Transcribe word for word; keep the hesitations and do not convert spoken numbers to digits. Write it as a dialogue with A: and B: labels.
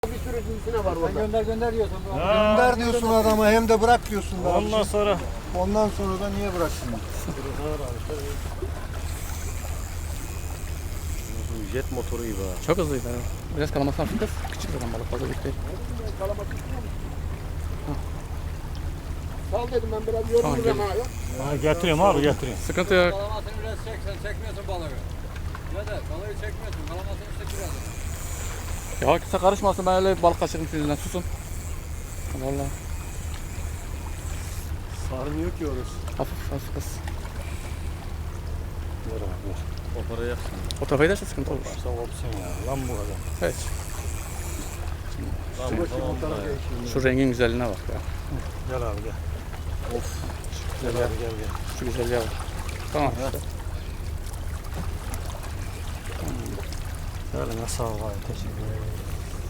A: Bir sürü cinsine var orada.
B: Gönder gönder diyorsun.
C: Gönder diyorsun adama hem de bırak diyorsun. Daha
D: Ondan sonra
C: Ondan sonra da niye bıraksın?
D: jet motoru gibi ha.
B: Çok hızlıydı. Biraz kalamasına hafif kız. Küçük zaten balık fazla büyük değil.
A: Sal dedim ben biraz yorulurum ha.
D: Ha, getiriyorum abi getiriyorum.
B: Sıkıntı yok.
E: Kalamasını biraz çek, sen çekmiyorsun balığı. Ne de balığı çekmiyorsun, kalamasını çek biraz.
B: Ya kimse karışmasın, ben öyle balık kaçırdım sizden, susun. Vallahi
D: Sarmıyor ki orası.
B: hafif hafif kız.
D: Ver abi ver. O parayı yaksın.
B: O tarafa giderse sıkıntı olur.
D: Varsa kopsun ya. Lan bu kadar.
B: Evet.
D: Tamam tamam. tamam.
B: Şu rengin güzelliğine bak ya.
D: Gel abi gel.
B: Of.
D: Gel abi gel gel.
B: Şu güzelliğe bak. Tamam işte.
D: Eline sağ ol abi. Teşekkür ederim.